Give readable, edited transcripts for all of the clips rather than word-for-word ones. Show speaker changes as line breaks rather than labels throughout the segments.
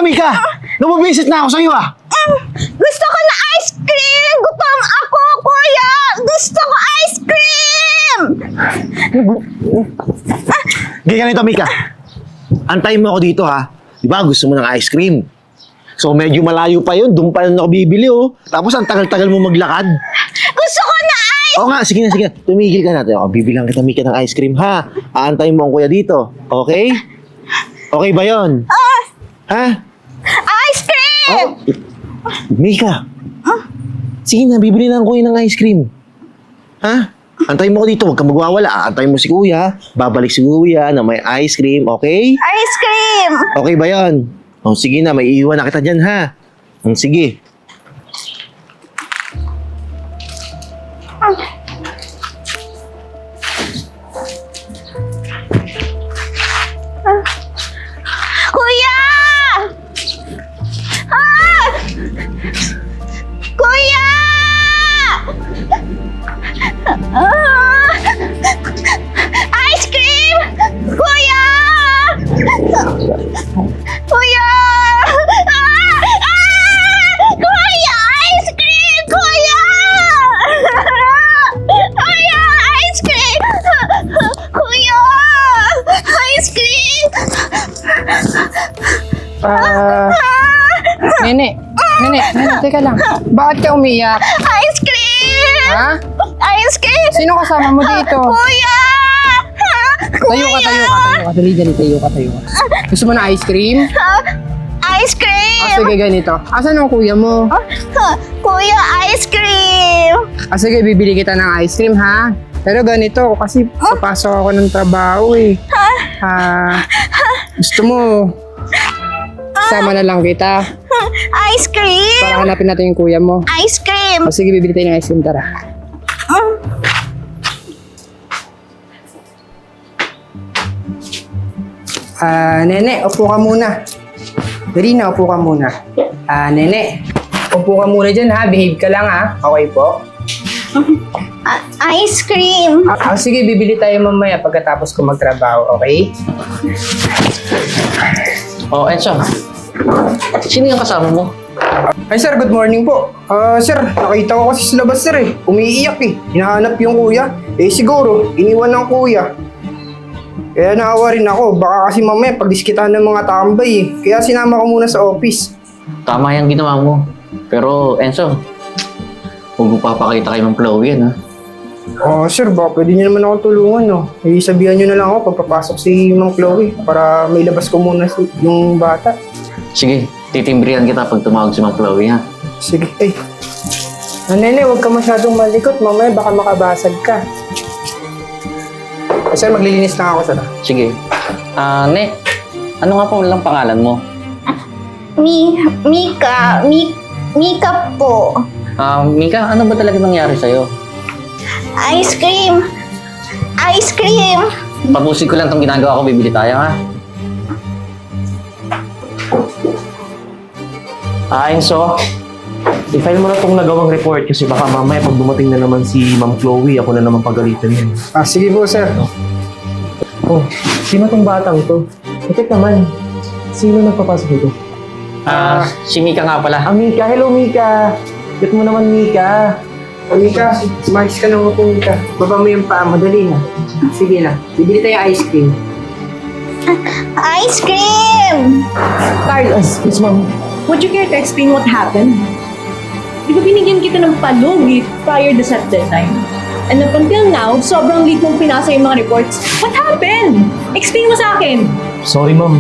Mika? Nabubisit na ako sa'yo
Gusto ko na ice cream! Gutom ako, kuya! Gusto ko ice cream!
Ganito, Mika. Antayin mo ako dito Di ba gusto mo ng ice cream? So medyo malayo pa yun, doon pa yun ako bibili Tapos ang tagal-tagal mo maglakad.
Gusto ko na ice
Oo nga, sige na. Tumigil ka natin. Bibilang kita, Mika, ng ice cream, Aantayin mo ang kuya dito. Okay? Okay ba yun?
ice cream!
Mika. Sige na, bibili na ang kuya ng ice cream. Antayin mo ko dito, huwag kang magwawala. Antayin mo si kuya, babalik si kuya na may ice cream, okay?
Ice cream!
Okay ba yun? Sige na, may iiwan na kita dyan, sige.
Kuya! Kuya! Ice cream! Kuya! Kuya! Kuya! Ice cream! Kuya! Kuya! Ice cream! Kuya! Ice cream!
Nene, teka lang. Bakit ka umiyak?
Ice cream!
Ha?
Ice cream!
Sino kasama mo dito?
Kuya!
Tayo ka. Dali, tayo ka. Gusto mo na ice cream?
Ice cream!
Sige, ganito. Asan ang kuya mo?
Kuya, ice cream!
Sige, bibili kita ng ice cream, ha? Pero ganito, kasi papasok ako ng trabaho, gusto mo, sama na lang kita
Ice cream!
para hanapin natin yung kuya mo.
Ice cream!
Sige, bibili tayo ng ice cream, tara. Nene, upo ka muna. Dali na, upo ka muna. Nene, upo ka muna dyan, ha? Behave ka lang, ha? Okay po?
Ice cream!
Sige, bibili tayo mamaya pagkatapos ko magtrabaho, okay?
Enzo. Sino yung kasama mo?
Ay, sir, good morning po. Sir, nakita ko kasi sa labas, sir, umiiyak, hinahanap yung kuya. Siguro, iniwan ng kuya. Kaya naawa rin ako. Baka kasi mamaya pagdiskitahan ng mga tambay, Kaya sinama ko muna sa office.
Tama yung ginawa mo. Pero, Enzo, huwag mo papakita kay Ma'am Chloe yan,
Sir, baka pwede niyo naman akong tulungan, no? Sabihan niyo na lang ako pagpapasok si Ma'am Chloe para may labas ko muna yung bata.
Sige, titimbrihan kita pag tumawag si Ma'am Chloe, ha?
Sige. Nene, huwag ka masyadong malikot. Mamaya baka makabasag ka. Sir, maglilinis na ako, sir.
Sige. Ne, ano nga po lang pangalan mo?
Mika po.
Mika, ano ba talaga nangyari sa'yo?
Ice cream! Ice cream!
Tapusin ko lang itong ginagawa ko, bibili tayo, ha?
Enzo, i-file mo na itong nagawang report kasi baka mamaya pag dumating na naman si Ma'am Chloe, ako na naman pagalitan yan.
Sige po, sir.
Sino tong batang to? Bakit naman? Sino nagpapasok dito?
Si Mika nga pala.
Mika. Hello, Mika. Get mo naman, Mika.
Mika, smash ka ng upo, Mika. Baba mo yung paa mo, dali na. Sige na, bibili tayo ice cream.
Ice cream!
Carlos,
Yes, ma'am.
would you care to explain what happened? Di ba binigyan kita ng palugi prior to set deadline? And up until now, sobrang late mong pinasa yung mga reports. What happened? Explain mo sa akin.
Sorry, ma'am.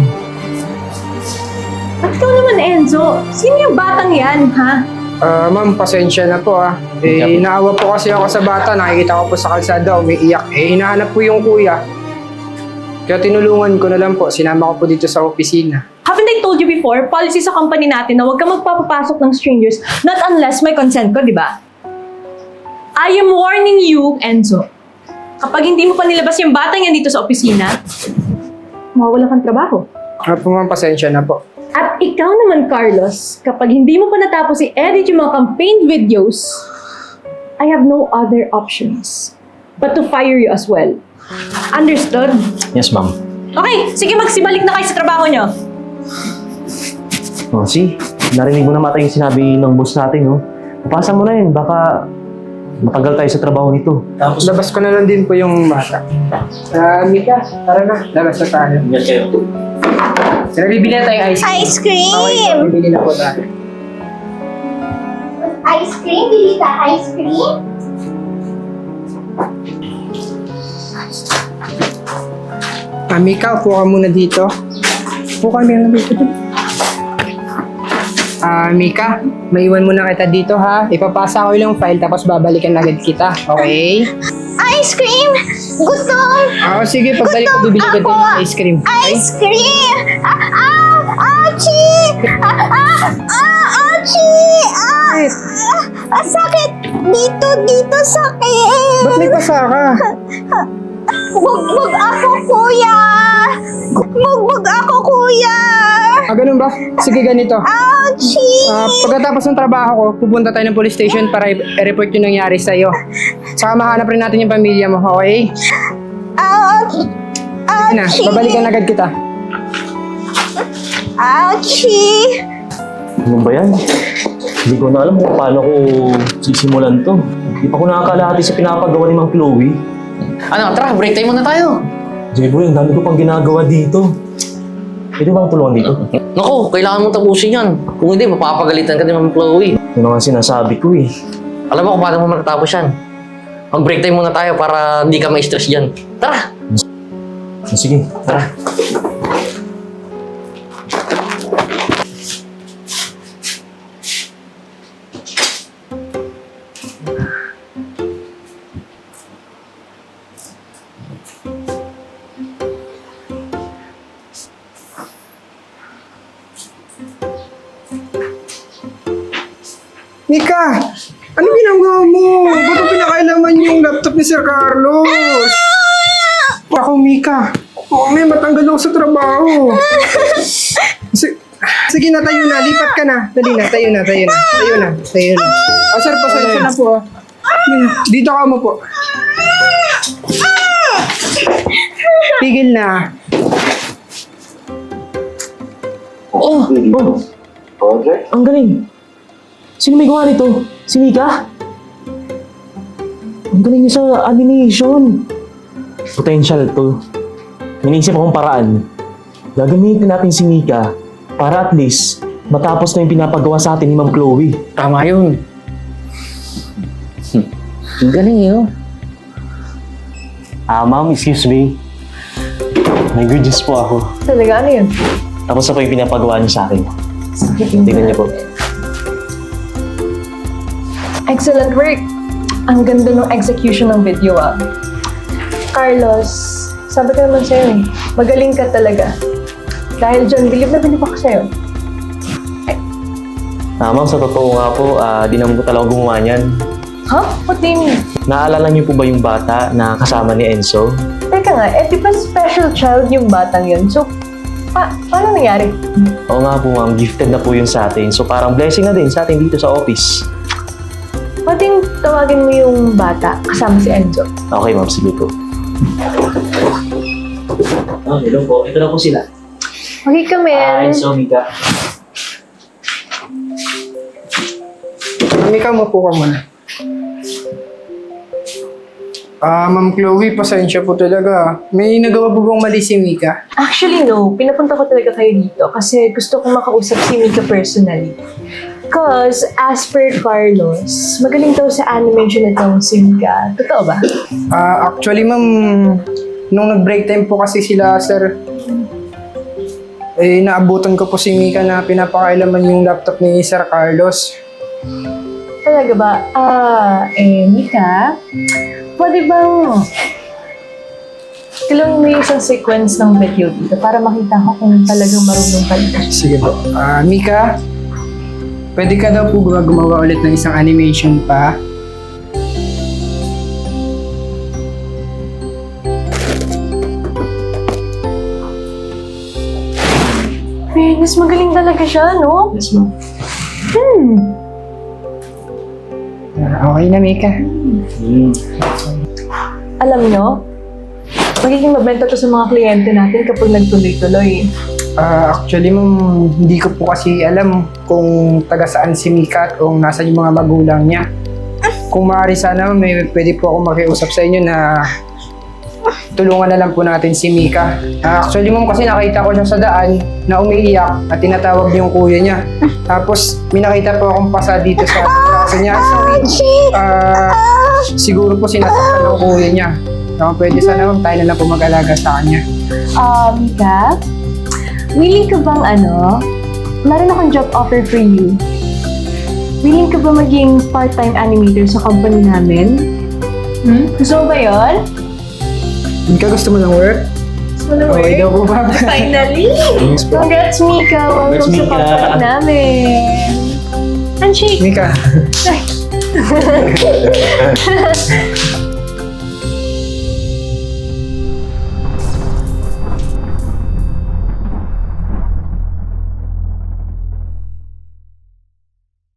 At ikaw naman, Enzo, sino yung batang yan, ha?
Ma'am, pasensya na po naawa po kasi ako sa bata. Nakikita ko po sa kalsada, umiiyak. Hinahanap po yung kuya. Kaya tinulungan ko na lang po. Sinama ko po dito sa opisina.
Haven't I told you before, policy sa company natin na huwag ka magpapapasok ng strangers not unless may consent ko, di ba? I am warning you, Enzo. Kapag hindi mo pa nilabas yung batang yan dito sa opisina, mawawala kang trabaho.
Po ma'am, pasensya na po.
At ikaw naman, Carlos, kapag hindi mo pa natapos i-edit yung mga campaign videos, I have no other options but to fire you as well. Understood?
Yes, ma'am.
Okay, sige, magsibalik na kayo sa trabaho nyo.
Oh, narinig mo na mata yung sinabi ng boss natin, no? Pasa mo na yun, baka matagal tayo sa trabaho nito.
Tapos labas ko na lang din po yung bata. Mika, tara na. Labas na tayo.
Ingat kayo.
Tara, bibili na tayo ice cream.
Ice cream!
Bibili na po tayo.
Ice cream? Bili ka ice cream?
Mika, upo ka muna dito. Upo ka muna dito. Mika, maiwan muna kita dito ha. Ipapasa ko yung file tapos babalikan agad kita. Okay?
Ice cream! Gutom!
Sige, pagbalik ko bibili kita ng ice cream. Okay?
Ice cream! Achi! Achi! Sakit! Dito sakit!
Ba't may pasa ka?
Bugbog ako, kuya! Bugbog ako, kuya!
Ganun ba? Sige, ganito.
Ouchie!
Pagkatapos ng trabaho ko, pupunta tayo ng police station para i-report yung nangyari sa'yo. Saka mahanap rin natin yung pamilya mo, okay? Sige na, babalikan agad kita.
Ouchie!
Ano ba yan? Hindi ko na alam kung paano ko sisimulan to. Hindi pa ko nakakalahati sa pinapagawa ni Ma'am Chloe.
Ano, tara, break time muna tayo.
Jeboy, ang dami ko pang ginagawa dito. Pwede bang tulungan dito?
Naku, kailangan mong tapusin yan. Kung hindi, mapapagalitan ka ni Ma'am Chloe.
Yun ang sinasabi ko eh.
Alam mo kung paano mo matatapos yan. Mag-break time muna tayo para hindi ka ma-stress dyan. Tara!
Sige, tara.
Mika! Ano ginagawa mo? Ba't mo pinakailaman yung laptop ni Sir Carlos? Ako, Mika. May matanggal ako sa trabaho. Sige na, tayo na. Lipat ka na. Dali na, tayo na. Sir, pasensya na po. Dito ka mo po. Tigil na.
Oh! Ang galing! Sino may gawa nito? Si Mika? Ang galing niya sa animation. Potential to. Iniisip akong paraan. Gagamitin natin si Mika para at least matapos na yung pinapagawa sa atin ni Ma'am Chloe.
Tama yun. Ang galing yun.
Ma'am, excuse me. May good news po ako.
Talaga, ano yun?
Tapos na po yung pinapagawa niyo sa akin. Tingnan niyo po.
Excellent work! Ang ganda ng execution ng video, ah. Carlos, sabi ko naman sa'yo eh, magaling ka talaga. Dahil dyan, bilib na bilib ako sa'yo.
Ma'am, sa totoo nga po, di naman po talaga gumawa niyan.
Huh? What do you mean?
Naalala niyo po ba yung bata na kasama ni Enzo?
Teka nga, di ba special child yung batang yun? So, paano nangyari?
Oo nga po ma'am, gifted na po yun sa atin. So parang blessing na din sa atin dito sa office.
Pwedeng tawagin mo yung bata kasama si Enzo.
Okay ma'am, sige po. Hello po. Ito na po sila.
Okay ka, men.
Enzo, Mika.
Mika, mapo ka muna. Ma'am Chloe, pasensya po talaga. May nagawa po bang mali si Mika?
Actually, no. Pinapunta ko talaga kayo dito kasi gusto kong makausap si Mika personally. Because, as per Carlos, magaling daw sa animation itong si Mika. Totoo ba?
Actually, ma'am, nung nag-break time po kasi sila, sir, naabutan ko po si Mika na pinapakailaman yung laptop ni Sir Carlos.
Talaga ba? Mika, pwede bang tulungan mo yung isang sequence ng video dito para makita ko kung talagang marunong ka dito.
Sige po. Mika, pwede ka daw po gumawa ulit ng isang animation pa?
Fairness, magaling talaga siya, no?
Yes ma'am.
Okay na, Mika.
Alam nyo, magiging mabenta to sa mga kliyente natin kapag nagtuloy-tuloy.
Actually, ma'am, hindi ko po kasi alam kung taga saan si Mika at kung nasan yung mga magulang niya. Kung maaari sana, may pwede po ako makiusap sa inyo na tulungan na lang po natin si Mika. Actually, ma'am, kasi nakita ko siya sa daan na umiiyak at tinatawag yung kuya niya. Tapos, may nakita po akong pasa dito sa braso niya. Siguro po sinasaktan ng kuya niya. Pwede sana, ma'am, tayo na lang po mag-alaga sa kanya.
Mika, willing ka bang meron akong job offer for you. Willing ka ba maging part-time animator sa company namin? Gusto mo ba yun?
Mika, gusto mo ng work?
Gusto mo na
Okay daw po ba?
Finally! Congrats, Mika! Welcome
Congrats,
sa
Mika.
company namin! Handshake!
Mika,